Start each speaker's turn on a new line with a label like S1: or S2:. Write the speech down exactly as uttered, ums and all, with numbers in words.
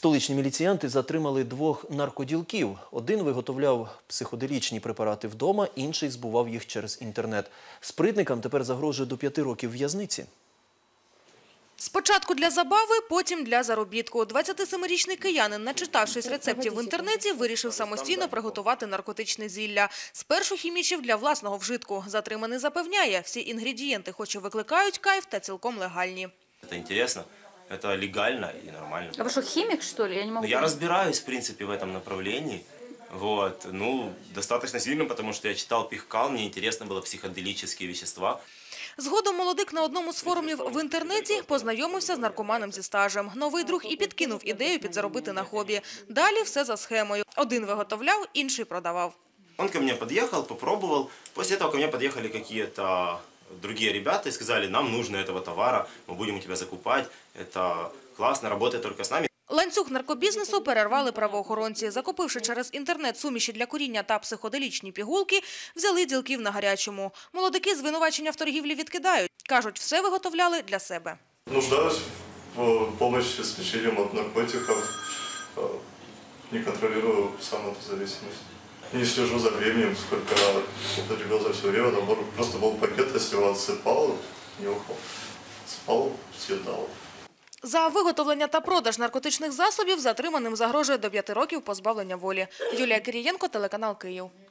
S1: Столичні міліціянти затримали двох наркоділків. Один виготовляв психоделічні препарати вдома, інший збував їх через інтернет. Спритникам тепер загрожує до п'яти років в'язниці.
S2: Спочатку для забави, потім для заробітку. двадцятисемирічний киянин, начитавшись рецептів в інтернеті, вирішив самостійно приготувати наркотичне зілля. Спершу хімічив для власного вжитку. Затриманий запевняє, всі інгредієнти хоч і викликають кайф, та цілком легальні.
S3: Це цікаво, це легально і нормально.
S4: А ви що, хімік, що ли? Я не можу.
S3: Я розбираюсь, в принципе, в этом направлении. Вот. Ну, достаточно сильно, потому что я читал Пихкал, мне интересно было психоделические вещества.
S2: Згодом молодик на одному з форумів в інтернеті познайомився з наркоманом зі стажем. Новий друг і підкинув ідею підзаробити на хобі. Далі все за схемою. Один виготовляв, інший продавав.
S3: Он ко мне подъехал, попробовал. После этого ко мне подъехали какие-то другие ребята и сказали, нам нужно этого товара, мы будем у тебя закупать, это классно, работает только с нами.
S2: Ланцюг наркобізнесу перервали правоохоронці. Закупивши через інтернет суміші для куріння та психоделічні пігулки, взяли ділків на гарячому. Молодики звинувачення в торгівлі відкидають. Кажуть, все виготовляли для себе.
S5: Нуждаюсь в допомогі з ліченням від наркотиків, не контролюю сам цю зависимость. Не слежу за временем, сколько употребил за все время, набор просто был пакет, если его отсыпал, нюхал, отсыпал, съедал.
S2: За виготовлення та продаж наркотичних засобів затриманим загрожує до п'яти років позбавлення волі. Юлія Кирієнко, телеканал Київ.